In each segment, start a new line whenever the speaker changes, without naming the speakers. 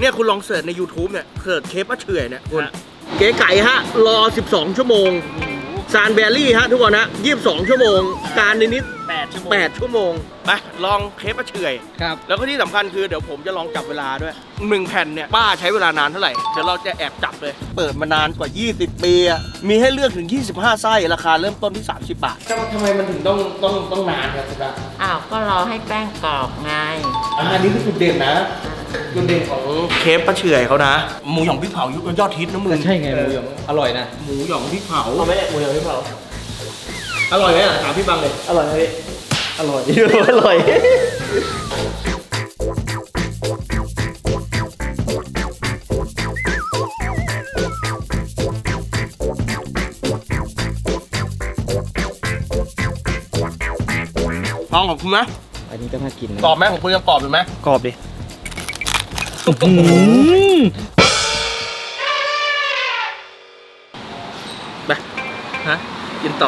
เนี่ยคุณลองเสิร์ชใน YouTube เนี่ยเสิร์ชเคปป้าเฉื่อยเนี่ยคุณเก๋ไก่ฮะรอ12ชั่วโมงซานเบลลี่ฮะทุกคนนะ22ชั่วโมงการนิด8ชั่วโมงไปลองเคปป้าเฉื่อย
ครับ
แล้วก็ที่สำคัญคือเดี๋ยวผมจะลองจับเวลาด้วย1แผ่นเนี่ยป้าใช้เวลานานเท่าไหร่เดี๋ยวเราจะแอบจับเลยเปิดมานานกว่า20ปีอะมีให้เลือกถึง25ไส้ราคาเริ่มต้นที่30 บาททำไมมันถึงต้องนานครับคุณตา
อ้าวก็รอให้แป้งกรอบไง
อันนี้คือจุดเด่นนะจุดเด่นของเคปป้าเฉื่อยเขานะหมูหยองพริกเผายุคยอดฮิตนะมึง
ใช่ไงหมูหยองอร่อยนะ
หมูหยองพริกเผาเอาไหมหมูหยองพริกเผาอร่อยไหมอ่ะถามพี่บังเลยอร่อยไหมพี่อร่อยอร่อยลองของคุณไหม
อันนี้ก็น่ากินนะ
กรอบไหมของคุณยังกรอบอยู่ไหม
กรอบดิ
ไปฮะกินต่อ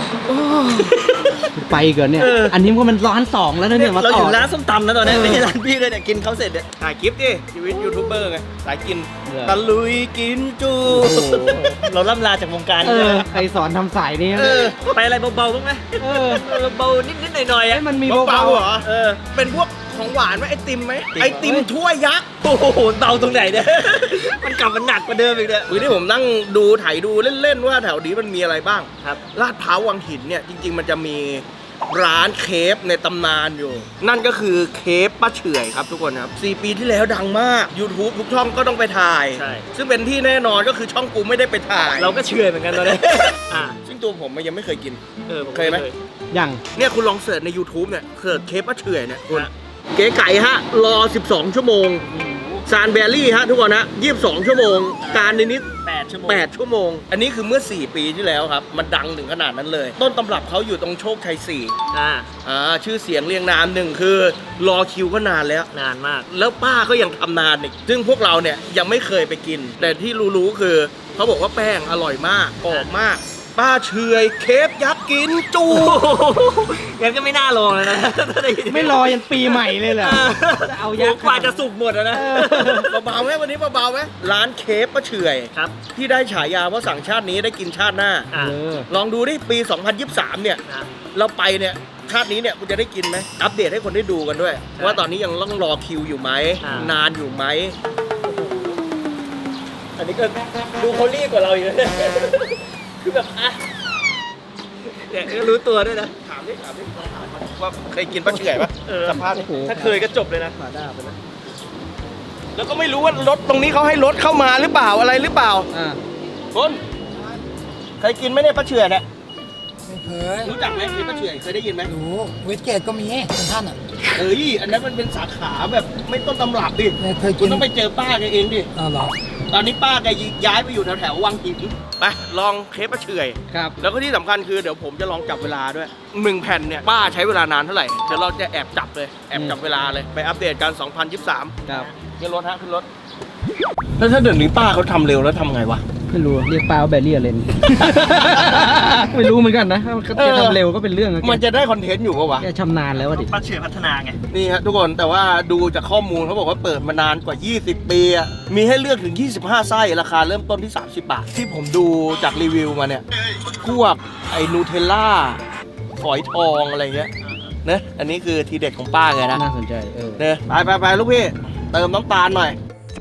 ไปเกินเนี่ยอันนี้มันร้าน2แล้วนะเนี่ยมา
เรา
ต่
อ
อยู่
ร้านส้มตำนะตอนนี้ไม่ใช่ร้านพี่เลยเนี่ยกินเขาเสร็จเนี่ย
ถ่ายคลิปดิชีวิตยูทูบเบอร์ไงสายกินตะลุยกินจู
เราล่ำลาจากวงการ
ใครสอนทำสายนี้
ไปอะไรเบาๆบ้างไหมเบาๆนิดๆหน่อยๆอ่ะ
มันมี
เบาๆเหรอ
ๆ
เป็นพวกของหวานไหมไอติมไหมไอติมถ้วยยักษ์
โอ้โหเบาตรงไหนเนี่ย มันกลับมันหนักกว่าเดิมอีกเนี่ย
วันนี้ผมนั่งดูถ่ายดูเล่นๆว่าแถวนี้มันมีอะไรบ้าง
ครับ
ลาดพร้าววังหินเนี่ยจริงๆมันจะมีร้านเคฟในตำนานอยู่ นั่นก็คือเคฟป้าเฉื่อยครับทุกคนครับ4 ปีที่แล้วดังมาก YouTube ทุกช่องก็ต้องไปถ่าย
ใช่
ซึ่งเป็นที่แน่นอนก็คือช่องกูไม่ได้ไปถ่าย
เราก็เชื่อเหมือนกันตอนนี้
ซึ่งตัวผมยังไม่เคยกิน
ผม
เคยไหม
อย่าง
เนี่ยคุณลองเสิร์ชใน YouTube เนี่ยเสิร์ชเคปป้าเฉื่อยเนี่ยคุณเก๋ไก่ฮะรอ12ชั่วโมงซานเบลลี่ฮะทุกคนนะ22ชั่วโมงการนิด
8 ชั่วโมง
8ชั่วโมงอันนี้คือเมื่อ4 ปีที่แล้วครับมันดังถึงขนาดนั้นเลย ต้นตำรับเขาอยู่ตรงโชคชัย4ชื่อเสียงเรียงนามหนึ่งคือรอคิวก็นานแล้ว
นานมาก
แล้วป้าก็ยังทำนานอีกซึ่งพวกเราเนี่ยยังไม่เคยไปกิน แต่ที่รู้ๆคือเขาบอกว่าแป้งอร่อยมากกรอบมากป้าเฉื่อยเคฟยักษ์กินจู
งั้นก็ไม่น่าลองแล้วนะ
ไม่รอยันปีใหม่เลยเหรอจะเอายักษ์
กว่าจะสุกหมดแล้วนะ
เบาๆไหมวันนี้เบาๆไหมร้านเคฟป้าเฉื่อย
ครับ
ที่ได้ฉายาว่าสั่งชาตินี้ได้กินชาติหน้า ลองดูดิปี 2023 เนี่ย เราไปเนี่ยชาตินี้เนี่ยคุณจะได้กินไหมอัปเดตให้คนได้ดูกันด้วย ว่าตอนนี้ยังต้องรอคิวอยู่ไหมนานอยู่ไหม
อันนี้ก็ดูเขารีบกว่าเราอีกนะคือแบบเนี่ยก็รู้ตัวด้วยนะ
ถามดิว่าเคยกินป้าเฉื่อยปะสัมภาษณ์ดิ
ถ้าเคยก็จบเลยนะ
แล้วก็ไม่รู้ว่ารถตรงนี้เขาให้รถเข้ามาหรือเปล่าอะไรหรือเปล่าคนเคยกินไหมเนี่ยป้าเฉื่อยเนี่ย
ไม่เคย
รู้จักไหมกินป้าเฉื่อยเคยได้ยินไหม
รู้เวสเกตก็มีเป็นท่านอ่ะ
เอ้ยอันนั้นมันเป็นสาขาแบบไม่ต้นตำรับดิ
ไม่เคยกิน
คุณต้องไปเจอป้าแกเองดิ
อ๋อเหรอ
ตอนนี้ป้าแกย้ายไปอยู่แถวๆวังหินไปลองเคปป้าเฉื่อย
ครับ
แล้วก็ที่สำคัญคือเดี๋ยวผมจะลองจับเวลาด้วย1แผ่นเนี่ยป้าใช้เวลานานเท่าไหร่เดี๋ยวเราจะแอบจับเลยแอบจับเวลาเลยไปอัปเดตกัน 2023
ครับ
ขึ้นรถฮะขึ้นรถแล้วถ้าเดี๋ยวนี้ป้าเขาทำเร็วแล้วทำไงวะ
ไม่รู้เรียกปลาว่าแบรี่เลน ไม่รู้เหมือนกันนะเขาจะทำเร็วก็เป็นเรื่องนะ
มันจะได้คอนเทนต์อยู่ปะวะ
แกชำนาญแล้วดิ
ป้าเฉื่อยพัฒนาไง
นี่ฮะทุกคนแต่ว่าดูจากข้อมูลเขาบอกว่าเปิดมานานกว่า 20 ปีอะมีให้เลือกถึง 25 ไส้ราคาเริ่มต้นที่ 30 บาท ที่ผมดูจากรีวิวมาเนี่ย พวกไอ้นูเทลล่าฝอยทองอะไรเงี้ยเนะอันนี้คือทีเด็ดของป้าไงนะ
น่าสนใจ
เนอะไปลูกพี่ เติมน้ำตาลหน่อย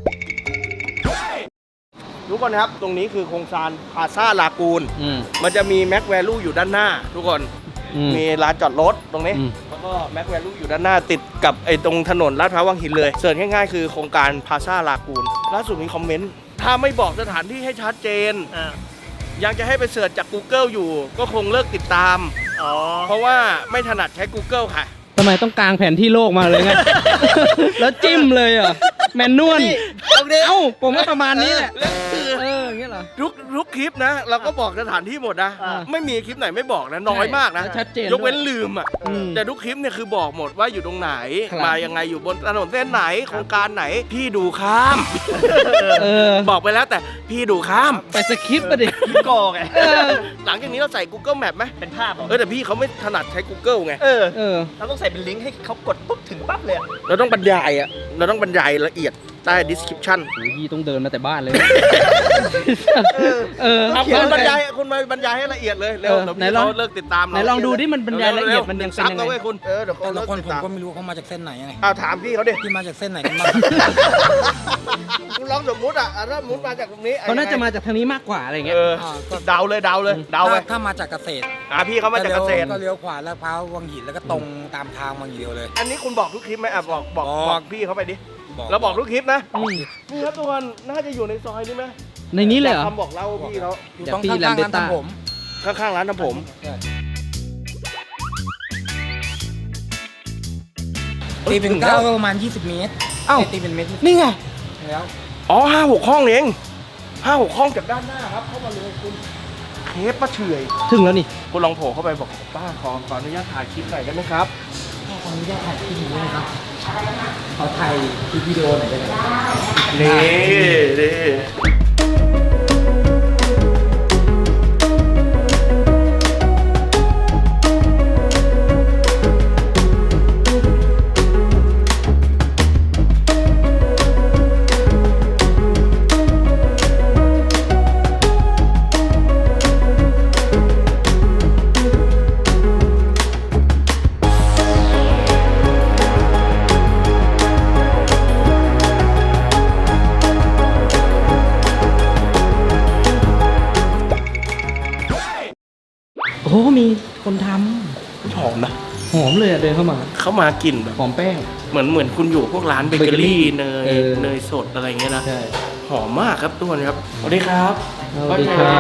ทุกคนครับ ตรงนี้คือโครงการพาซาลากูน มันจะมีแม็กแวลูอยู่ด้านหน้า ทุกคน มีลานจอดรถตรงนี้ แล้วก็แม็กแวลูอยู่ด้านหน้าติดกับไอ้ตรงถนนลาดพร้าววังหินเลยเสิร์ชง่ายๆคือโครงการพาซาลากูนล่าสุดมีคอมเมนต์ ถ้าไม่บอกสถานที่ให้ชัดเจน ยังจะให้ไปเสิร์ชจาก Google อยู่ ก็คงเลิกติดตาม เพราะว่าไม่ถนัดใช้ Google ค่ะ
ทำไมต้องกางแผนที่โลกมาเลยไง แล้วจิ้มเลยเหรอแมนนวลเอ้าผมก็ประมาณนี้แหละ
แล้วคือ
อย่างเงี้ยเหรอ
ทุกคลิปนะ เราก็บอกสถานที่หมดนะ ไม่มีคลิปไหนไม่บอกนะ น้อยมากนะ
ชัดเจน
ยกเว้นลืมอ่ะ แต่ทุกคลิปเนี่ยคือบอกหมดว่าอยู่ตรงไหน
ครับ
มายังไงอยู่บนถนนเส้นไหนโครงการไหน พี่ดูข้าม บอกไปแล้วแต่พี่ดูข้าม
ไปสคริปต์มาดิ
พี่กอไง
หลังจากนี้เราใส่ Google Map ไหม
เป็นภาพเหรอ
แต่พี่เขาไม่ถนัดใช้ Google ไง
เออ
เราต้องใส่เป็นลิงก์ให้เขากดปุ๊บถึงปั๊บเลย
เราต้องบรรยายอ่ะ เราต้องบรรยายละเอียดใต้ description
โอ้ยพี่ต้องเดินมาแต่บ้านเลย
เอาคุณบรรยายคุณมาบรรยายให้ละเอียดเลยเร็ว
เออ
เดี๋ยว
ไหน
พี่
ลอง
เขาเลิกติดตามเรา
ไหนลองดูดิมันบรรยายละเอียดมันยังเป็นยังไง
ซับนะเว้ยคุณเดี๋ยวเขา
แต่
เลิ
ละ
ก
คน
ติด
ผม
ตาม
ก็ไม่รู้เขามาจากเส้นไหนไง
เอาถามพี่เขาดิ
ที่มาจากเส้นไหนกันบ้าง
คุณลองสมมุติถ้าสมมุติมาจากตรงนี้
เขาน่าจะมาจากทางนี้มากกว่าอะไรเงี้ย
เดาเลยเดาไป
ถ้ามาจากเกษตร
พี่เขามาจากเกษตร
ก็เลี้ยวขวาแล้วพร้าววังหินแล้วก็ตรงตามทางวังหินเดียวเลย
อันนี้คุณบอกทุกคลิปไหมบอก
บอก
พี่เขาไปดิเราบอกทุกคลิปนะ
อืม
นี่ครับทุกคนน่าจะอยู่ในซอยนี้ไหม
ในนี้เลยเหรอ
คำบอกเล่าพี่เขา
อยู่ตรง
พี่
ข้างๆร้าน
Lambretta
ทำผม
ข้างๆร้านทำผม
ตีเป็นก้าวก็ประมาณ20 เมตร
เอ้า
ตีเป็นเมตร
นี่ไง
แล้ว
อ๋อ5-6 ห้องเอง5-6 ห้องจากด้านหน้าครับเข้ามาเลยคุณเคฟป้าเฉอย
ถึงแล้วนี่
คุณลองโผล่เข้าไปบอกป้าขออนุญาตถ่ายคลิปหน่อยได้ไหมครับ
ขออนุญาตถ่ายคลิปนี้นะครับขอถ่ายคลิปวิดีโอหน่อยได้ไหม
นี่
โอ้โหมีคนท
หอมนะ
ำหอมเลยอะเดินเข้ามา
เข้ามากลิ่นแบบ
หอมแป้ง
เหมือนคุณอยู่พวกร้านเบเกอรี่เนย
เออ
เนยสดอะไรเงี้ยนะ
ใช่
หอมมากครับทุกคนครับสวัสดีครับ
สวัสดีครับ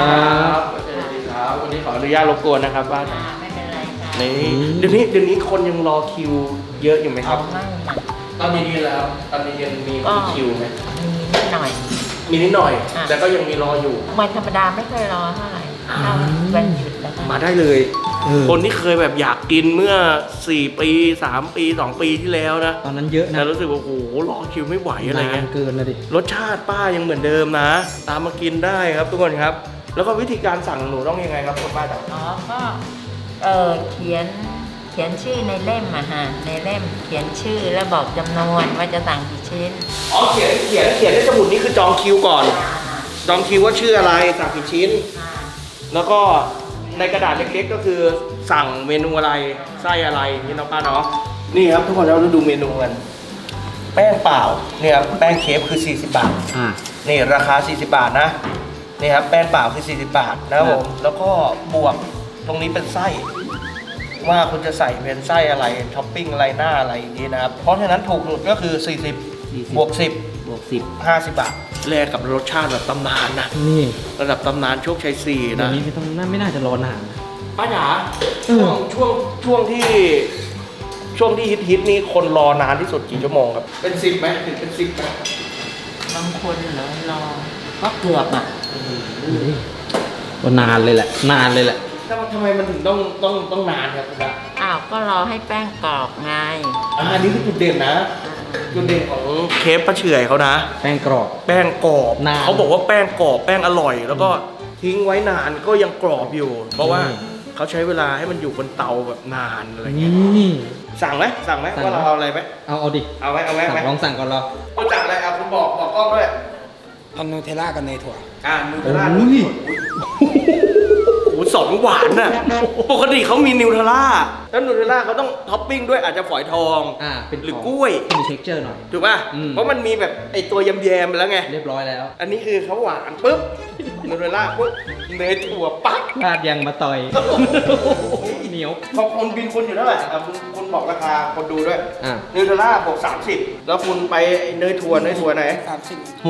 สวัสดีครับวันนี้ขออนุญาตรบกวนนะครับบ้าน
ไม่เป็นไรค่ะ
นี่เดี๋ยวนี้คนยังรอคิวเยอะอยู่ไหมครับ
ไม่ค่ะ
ตอนนี้แล้ว ตอนนี้ยังมีคิวไหม
มีนิดหน่อย
มีนิดหน่อย
อ่ะ
แต่ก็ยังมีรออยู่
วันธรรมดาไม่เคยรอเท่าไหร่ถ้าวันหยุดแล้วก็
มาได้เลย
เออ
คนที่เคยแบบอยากกินเมื่อ 4 ปี 3 ปี 2 ปีที่แล้วนะ
ตอนนั้นเยอะนะ
แต่รู้สึกว่าโอ้โหรอคิวไม่ไหวอะไรเงี้ย
นานเกินนะดิ
รสชาติป้ายังเหมือนเดิมนะ ตามมากินได้ครับทุกคนครับ แล้วก็วิธีการสั่งหนูต้องยังไงครับคุณป้าจ๋า
อ๋อก็เขียนชื่อในเล่มอะฮะในเล่มเขียนชื่อแล้วบอกจำนวนว่าจะสั่งกี่ชิ้น
อ๋อเขียนในสมุดนี้คือจองคิวก่อน จองคิวว่าชื่ออะไรสั่งกี่ชิ้น แล้วก็ในกระดาษเล็กๆก็คือสั่งเมนูอะไรไส้อะไรนี่น้องป้าเนาะนี่ครับทุกคนเราดูเมนูกันแป้งเปล่าเนี่ยครับแป้งเคฟคือ40 บาท
อ่า
นี่ราคา40 บาทนะนี่ครับแป้งเปล่าคือ40 บาทนะครับผมแล้วก็บวกตรงนี้เป็นไส้ว่าคุณจะใส่เป็นไส้อะไรท็อปปิ้งอะไรหน้าอะไรอย่างนี้นะครับเพราะฉะนั้นถูกสุดก็คือ40บวก10
บวก10
50 บาทแลกกับรสชาติแบบตำนานนะ
นี่
ระดับตำนานโชคชัย4
เดี๋ยว
นะ
นี้ไม่น่าจะรอนาน
ป้าจ๋า
เออ
ช่วงที่ฮิตนี่คนรอนานที่สุดกี่ชั่วโมงครับเป็น10ไหมถึงเป็น10ไหม
บางคนเหรอรอก็เกือบอ่ะ
ก็นานเลยแหละ นานเลยแหละ
ทำไมมันถึงต้องนานครับคุณป้า
อ้าวก็รอให้แป้งกรอบไง
อันนี้คือจุดเด่นนะจุดเด่นของเคฟป้าเฉอยเขานะ
แป้งกรอบ
แป้งกรอบ
นาน
เขาบอกว่าแป้งกรอบแป้งอร่อย แล้วก็ทิ้งไว้นานก็ยังกรอบอยู่ เพราะว่า
อืม
เขาใช้เวลาให้มันอยู่บนเตาแบบนานอะไรเงี้ย
นี่
สั่งไหมว่าเราเอาอะไรไหม
เอาดิ
เอาไหม
ลองสั่งก่อนเรา
คุณสั่งอะไรเอาคุณบอกกล้องด้วย
เอานูเทลล่ากับเนยถั่ว
นูเทลล่า
โอ้ย
โอ้โห2 หวานน่ะปกติเขามีนิวเทลล่าแล้วนิวเทลล่าเขาต้องท็อปปิ้งด้วยอาจจะฝอยทอง
เป็น
หรือกล้วย
มีเท็กเจอร์หน่อย
ถูกป่ะ
อืม
เพราะมันมีแบบไอตัวแยมๆไปแล้วไง
เรียบร้อยแล้ว
อันนี้คือเขาหวานปุ๊บนูเทลล่าปุ๊บเนยถั่วปั๊บ
พลาดยังมาต่อย เหนียว
พอคนบินคุณอยู่เท่าไหร่คุณบอกราคาคนดูด้วย
อ่ะ
นิวเทลล่าบวก30 แล้วคุณไปไอ้เนยถั่วไหน
30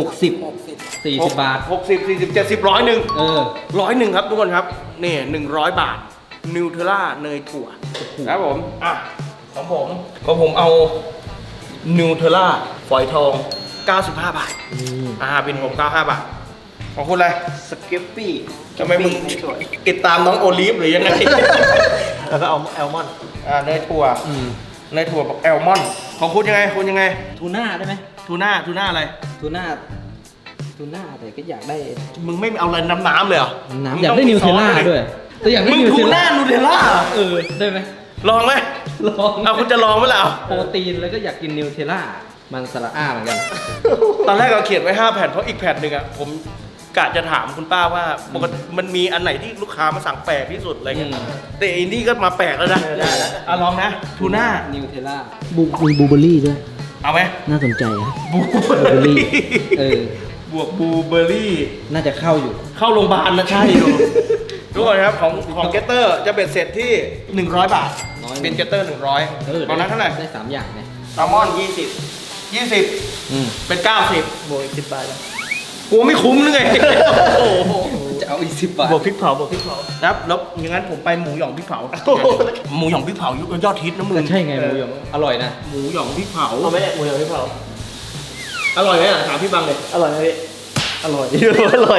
60 40 บาท
60 40 70 100
เออ
100ครับทุกคนครับนี่100 บาทนิวเทลล่าเนยถั่วครับผมอ่ะของผมเอานิวเทลล่าฝอยทอง 95 บาทเป็นผม95 บาทของคุณอะไรสเก็ปปี้ทำไมมึงติดตามน้องโอลิฟหรือยังไง
แล้วก็เอาแอลมอนด์
เนยถั่ว
อืม
เนยถั่วบอกแอลมอนด์ของคุณยังไงคุณ
ทูน่าได้ไหม
ทูน่าอะไร
ทูน่าแต่ก็อยากได้
มึงไม่เอาอะไรน้ำเลยเหรอ
น้ำอยากได้นิวเทลล่าด้วยแต่อยากได้
มึง
นิว
ทู
เทล
น่า
ล่า
นูเทลล่า
เออ ได้ไหม
ลองไหม
ลอง
เอาคุณจะลองไหมล่ะ
โปรตีนแล้วก็อยากกินนิวเทลล่ามันสระอ้าเหมือนกัน
ตอนแรกเราเขียนไว้5 แผ่นเพราะอีกแผ่นหนึ่งอะผมกะจะถามคุณป้าว่าปกติมันมีอันไหนที่ลูกค้ามาสั่งแปลกที่สุดอะไรเงี้ย แต่อินดี้ก็มาแปลกแล้วนะได้ลองนะทูน่า
นิวเทล่า
มีบลูเบอร์รี่ด้วย
เอาไหม
น่าสนใจนะ
บลูเบอร์รี่
เออ
บวกบลูเบอร์รี่
น่าจะเข้าอยู่
เข้าโรงพยาบาลนะใช่ดูทุกคนครับของเกตเตอร์จะเป็นเสร็จที่100 บาท
น้อย
เป็นเกตเตอร์100ตอนนั้นเท่าไหร่
ได้3อย่างเนี่ย
แซลมอน20
อืม
เป็น90บวกอีก10 บาทกูไม่คุ้มหรือไงโอ้โห
จะเอาอีก10 บาท
บวกพริกเผา
ครับแล้วอย่างนั้นผมไปหมูหยองพริกเผาหมูหยองพริกเผายอดฮิตนะมึง
ใช่ไงหมูหยองอร่อยนะ
หมูหยองพริกเผา
เอาไหมหมูหยองพริกเผา
อร่อยไหมอ่ะถามพี่บังเลย
อร่อยไหมพี่อร่อย อร่อย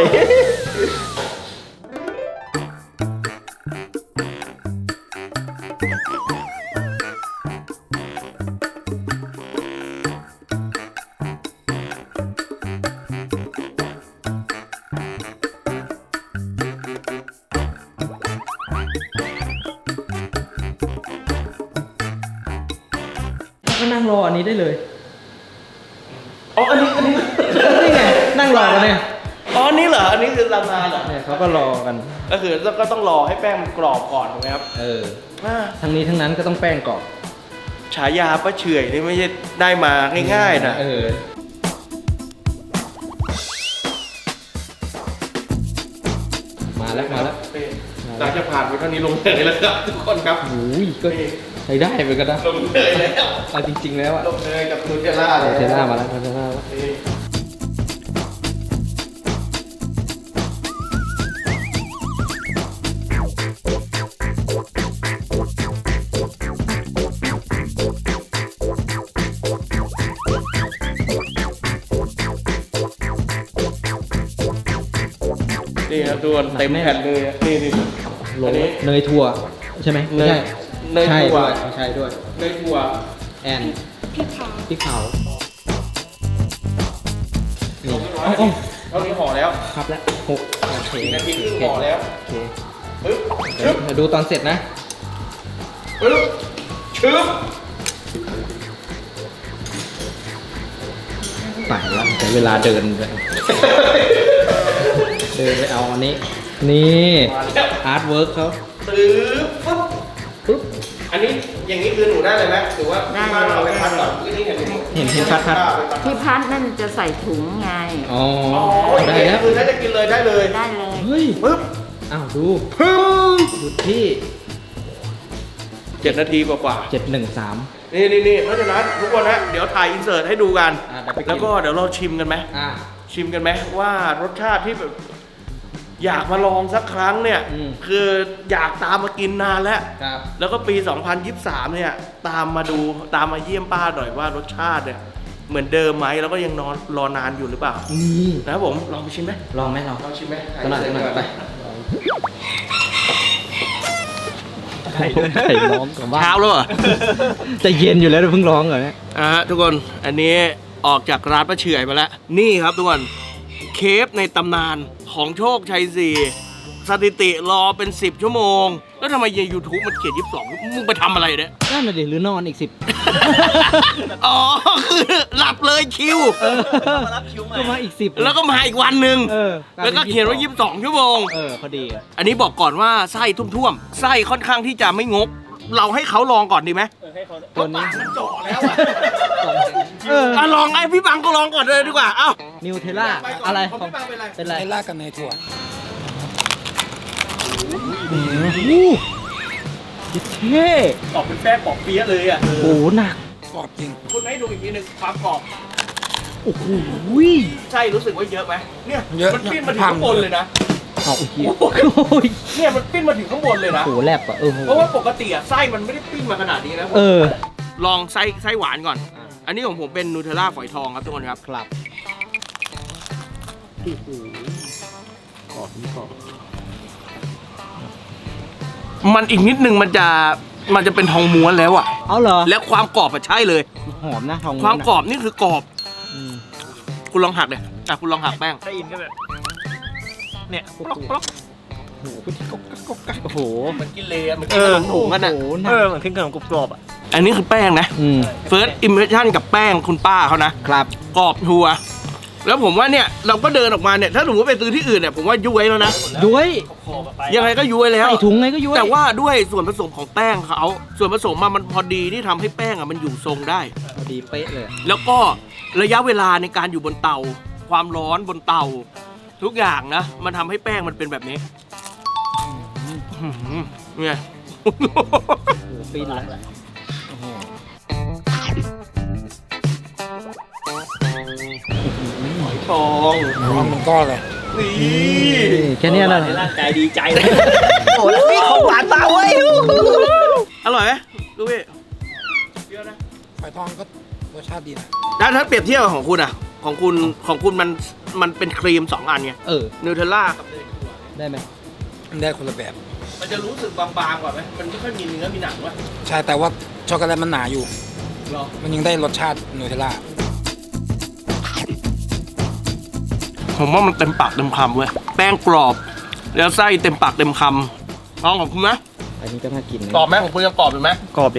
ก็นั่งรออันนี้ได้เลย
อ๋ออันนี้
นี่ไงนั่งรอกันเนี่ย
อ๋ออันนี้เหรออันนี้คือราคาเหรอ
เนี่ยเขาก็รอกัน
ก็คือก็ต้องรอให้แป้งมันกรอบก่อนถูกไหมครับ
เออ
อ่า
ทั้งนี้ทั้งนั้นก็ต้องแป้งกรอบ
ฉายาป้าเฉื่อยนี่ไม่ใช่ได้มาง่ายๆนะ
เออ มาแล้ว
หลังจากผ่านไปเท่านี้ลงเลยแล้วครับทุกคนครับ
โอ้ยก็ใช้ได้เหมือนกันนะ
ลงเลยแล้ว
เอาจริงๆแล้วอะ
ลงเลยกับนูเทลล่าเลย
เทล่ามาแล้วเทล่ามาแล้ว
นี่นี่ครับทุกคนเต็มแผ่นเลยอะนี่
โร
อัน
ย
นี้
เนยถั่วใช่ไหมไม่ใช่
เนยถั่ว
ใช่ด้วย
เนยถั่ว
แอนพริกเผานี่
เท่านี้ห่อแล้ว
ครับแล้ว6โอเค
4 นาทีครึ่งห่อแล้ว
โอเค
ปึ๊บ
เดี๋ยวดูตอนเสร็จนะ
ปึ๊บชึบ
ตายแล้วใช้เวลาเดินไปเดินไปเอาอันนี้ นี่อาร์ตเวิร์กเขา
ตื้อปึ๊บปึ๊บอันนี้อย่างนี้คือหนูได้เลยไหมหรือว่าที่บ้านเราไปพัดก่อนที่นี่เห็น
เห็นพัด
ที่พัดนั่นจะใส่ถุงไง
อ๋อ
อ๋อ
ได้แล้ว
คือถ้าจะกินเลยได้เลย
ได้เลย
เฮ้ย
ปึ๊บ
อ้าวดู
ปึ๊บ
ดูที่
7 นาทีกว่า
713
นี่เพราะฉะนั้นทุกคนนะเดี๋ยวถ่ายอินเสิร์ตให้ดูกัน
เดี๋ยวไปกิน
แล้วก็เดี๋ยวเราชิมกันไหม ชิมกันไหมว่ารสชาติที่แบบอยากมาลองสักครั้งเนี่ย
อืม
คืออยากตามมากินนานแล้ว
ครับ
แล้วก็ปี 2023 เนี่ยตามมาเยี่ยมป้าหน่อยว่ารสชาติเนี่ยเหมือนเดิมไหมแล้วก็ยังรอนานอยู่หรือเปล่า
นี่
นะครับผมลองไปชิมไหม
ลองไหมลอง
ลองชิมไหม
ขนาดไป
ไข่ร้องกับว่า
เช้าแล้วเหรอ
จะเย็นอยู่แล้วเพิ่งร้องเหรอเนี่ย
ทุกคนอันนี้ออกจากร้านป้าเฉื่อยมาแล้วนี่ครับทุกคนเคฟในตำนานของโชคชัย4สถิติรอเป็น10 ชั่วโมงแล้วทำไมใน YouTube มันเขียน22มึงไปทำอะไรเนี่ย
นั่นน่ะดิหรือนอนอีก 10
อ๋อคือหลับเลยคิว
ก็มาอีก 10
แล้วก็มาอีกวันหนึ่ง
กลา
แล้ว
ป็
ก็เขียนว่า22 ชั่วโมง
พอดีอะ
อันนี้บอกก่อนว่าไส้ท่วมๆไส้ค่อนข้างที่จะไม่งก เราให้เขาลองก่อนดีไหม
ให้เขา
ตัวนี้
มันจ่อแล้วอะ ลองไอ้พี่บังก็ลองก่อนเลยดีกว่า เอ้า
นิวเทล่า
ไปก่น
อะไร
ของพี่บังเป็นอะไร
เป็นไร
ไทล่ากับเนยถั่ว
เท่
ออกเป็นแป้งปอกเปี๊ยะเลยอ่ะ
โอ้โหหนัก
กรอบจริง
คุณให้ดูอีกทีหนึงความกรอบ
โอ้โห
ใช่รู้สึกว่าเยอะไหมเนี่ย
เยอะ
มันปิ้นมาถึงข้างบนเลยนะ
เอาโอ้โห
เนี่ยมันปิ้นมาถึงข้างบนเลยนะ
โอ้โหแลบอะโห
เพราะว่าปกติอะไส้มันไม่ได้ปิ้นมาขนาดนี้นะ ลองไส้หวานก่อน อันนี้ของผมเป็นนูเทลล่าฝอยทองครับทุกคนครับ
ครับ
มันอีกนิดนึงมันจะเป็นทองม้วนแล้วอะ
เอาเหรอ
และความกรอบอะใช่เลย
หอมนะทอง
ความกรอบนี่คือกรอบ
อืม
คุณลองหักเลยคุณลองหักแป้ง
ได้ยินก็แบบเนี่ยปลอกปลอก
โโอ้โห
มันกินเลยมันกินขนมถุงกันอ่ะ
โอ้โหหนัก
เหมือนขึ้นขนมกรอบๆอ่ะ
อันนี้คือแป้งนะ First impression กับแป้งคุณป้าเขานะครับ กรอบทัวร์แล้วผมว่าเนี่ยเราก็เดินออกมาเนี่ยถ้าสมมติไปซื้อที่อื่นเนี่ยผมว่าย้วยแล้วนะ
ด้วย
ขอบๆไป
ยังไงก็ย้วยแล้ว
ใส่ถุงไงก็ย้วย
แต่ว่าด้วยส่วนผสมของแป้งเขาส่วนผสมมันพอดีที่ทำให้แป้งมันอยู่ทรงได้
พอดีเป๊ะเลย
แล้วก็ระยะเวลาในการอยู่บนเตา ความร้อนบนเตา ทุกอย่างนะ มันทำให้แป้งมันเป็นแบบนี้เนี่ย
โอ้โหปีนแล้ว
ทอง
มันเป็นก้อนเลย
นี่
แค่เนี้ยนะ
ร่างกายดีใจเลย
โอ้แล้วนี่ของหวานตาเว้ยอร่อยไหมดูพี่เปรี้ยวนะ
ฝอยทองก็รสชาติดีนะ
แล้วถ้าเปรียบเทียบกับของคุณอ่ะ ของคุณมันเป็นครีม2 อันไง นูเทลล่ากับเนยถั่ว
ได้ไหม
มันได้คนละแบบ
มันจะรู้สึกบางๆกว่าไหมมันไม่ค่อยมีเนื้อมีหนังวะ
ใช่แต่ว่าช็อกโกแลตมันหนาอยู่
หรอ
มันยังได้รสชาตินูเทลล่า
ผมว่ามันเต็มปากเต็มคำเว้ยแป้งกรอบ แล้วไส้เต็มปากเต็มคำลองของคุณไหม
อันนี้ก็น่ากินนะ
กรอบไหมของคุณยังกรอบอยู่ไหม
กรอบดิ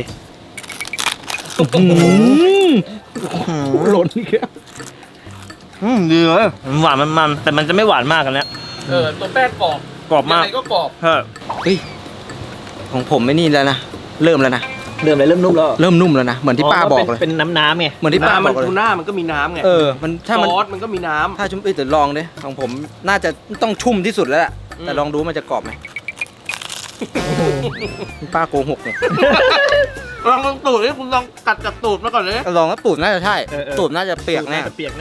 หล่นอีกแล้ว
ดีเลยมันหวานมันแต่มันจะไม่หวานมากกันแล้ว
ตัวแป้งกรอบ
กรอบมาก
ยังไงก็กรอบ
เฮ้ย
เฮ้ยของผมไม่นี่แล้วนะเริ่มแล้วนะ
เริ่มนุ่มแล้ว
เริ่มนุ่มแล้วนะเหมือนที่ป้าบอกเลย
เป็นน้ำไง
เหมือนที่ป้า
น้ำ
บ
มั
อน กเลย
ทูน่ามันก็มีน้ำไง
มันถ้ามัน
ซอสมันก็มีน้ำ
ถ้าชุ่มเดี๋ยวลองดิของผมน่าจะต้องชุ่มที่สุดแล้วแหละแต่ลองดูมันจะกรอบไหมป้าโกหกเนี่ย
ลองตูดนี่คุณลองกัดจากตูดมาก่อนเลย
ลองแล้วตูดน่าจะใช่ตูดน่าจะเปียกแน่
เปียกแน่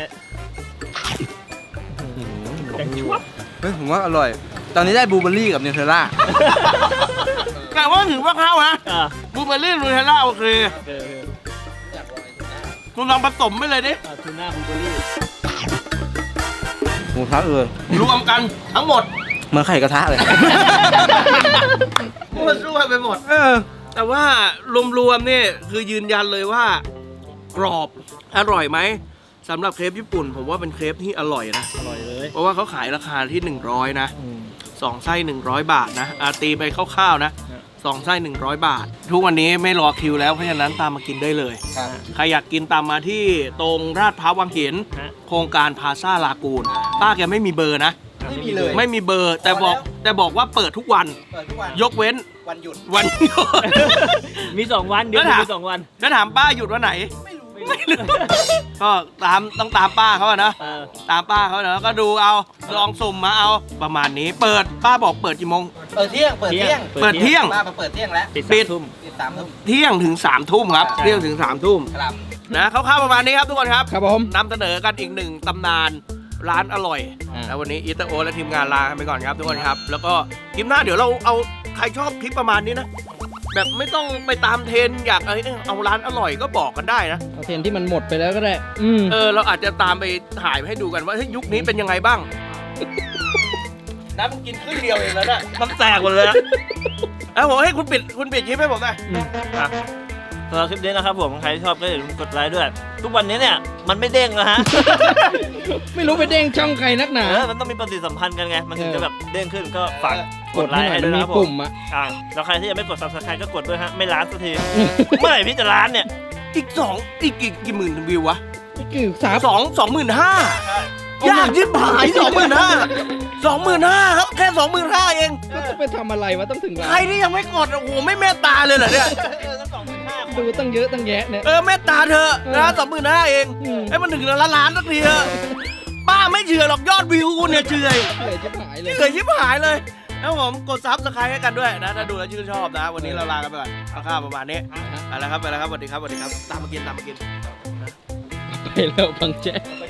เฮ้ยผมว่าอร่อย ตอนนี้ได้บลูเบอร์รี่กับเนเธอร่า
แต่ว่าถือว่าเข้านะ
อ่า
บลูเบอร์รี่นูเทลล่าโอเคคุณลองผสมไปเลยดิ
ทูน่าบลูเบอร์รี่
หมูทับเลย
รวมกันทั้งหมด
เหมือนไข่กระทะเลย
มันช่วยไปหมด แต่ว่ารวมๆนี่คือยืนยันเลยว่ากรอบอร่อยไหมสำหรับเครปญี่ปุ่น ผมว่าเป็นเครปที่อร่อยนะ
อร่อยเลย
เพราะว่าเขาขายราคาที่100นะ2 ไส้100 บาทนะตีไปคร่าวๆนะ2 ไส้100 บาท ทุกวันนี้ไม่รอคิวแล้วเพราะฉะนั้นตามมากินได้เลย ใครอยากกินตามมาที่ตรงราชพร้าววังหินโครงการพาซาลากูนป้าแกไม่มีเบอร์นะ
ไม่มีเลย
ไม่มีเบอร์แต่บอกว่าเปิดทุกวัน ยกเว้น
วันหยุด
วันหยุด
มี2 วันเดือน
แล้วถาม
มี2 วัน
แล้วถามป้าหยุดวันไหน ไม่รู้ก็ต้องตามป้าเขาอะนะ ตามป้าเขาเนอะก็ดูเอาลองสุ่มมาเอาประมาณนี้เปิดป้าบอกเปิดกี่โมง
เปิดเที่ยง
เปิดเที่ยง
ป้ามาเปิดเที่ยงแล้ว
ปิด
ปิด
3 ทุ่ม
ปิด3 ทุ่ม
เที่ยงถึง3 ทุ่มครับ
ใช่
เที่ยงถึง3 ทุ่ม
ครับ
นะคร่าวๆประมาณนี้ครับทุกคนครับ
ครับผม
นำเสนอกันอีกหนึ่งตำนานร้านอร่อยแล้ววันนี้อีเตอร์โอและทีมงานลากันไปก่อนครับทุกคนครับ แล้วก็คลิปหน้าเดี๋ยวเราเอาใครชอบคลิปประมาณนี้นะแบบไม่ต้องไปตามเทรนด์อยากเอาร้านอร่อยก็บอกกันได้นะ
เอาเทรนที่มันหมดไปแล้วก็ได้
เราอาจจะตามไปถ่ายให้ดูกันว่าเฮ้ยยุคนี้เป็นยังไงบ้าง น้ำมันกินครึ่งเดียวเองแล้วน่ะ
น้ำแตกหมดเลยอะ
ผมให้คุณปิดคลิปให้ผมหน่อย
สำหรับคลิปนี้นะครับผมใครชอบก็อย่าลืมกดไลค์ด้วย ทุกวันนี้เนี่ยมันไม่เด้งนะฮะ
ไม่รู้ไปเด้งช่องใครนักหนา
มันต้องมีปฏิสัมพันธ์กันไง มันถึงจะแบบเด้งขึ้นก็ฝากกดไลค์ให้
มั
ด้
น
วย
มี
นะครับผ
ปุ่
ม
มอะ
แล้วใครที่ยังไม่กด subscribe ก็กดด้วยฮะ ไม่ล้านสักที เมื่อไหร่พี่จะล้านเนี่ย
อีกกี่หมื่นวิววะ
นี่คือสาม
25,000ยากยิบหาย25,000ครับแค่25,000เอง
ก็จะไปทำอะไรวะต้องถึงล้า
ใคร
น
ที่ยังไม่กดโอ้โหไม่เมตตาเลยเหรอเนี่ย
ดูตั้งเยอะตั้งแยะเนี่ย
เมตตาเธอะนะ25,000เอง
อืม
ให้มันถึงล้านสักทีเถอะป้าไม่เชื่อหรอกยอดวิวคุณเนี่ยเชื่อ
เหนื่อยชิบหายเลย
เหนื่อยชิบหายเลยแล้วผมกดซับสไครต์ให้กันด้วยนะถ้าดูแล้วชื่นชอบนะ วันนี้เราลากันไปก่อนข้าวๆประมาณนี้ไปแล้วครับสวัสดีครับสวัสดีครับตามมากิน
ไปแล้วบังแจ๊ก
ไป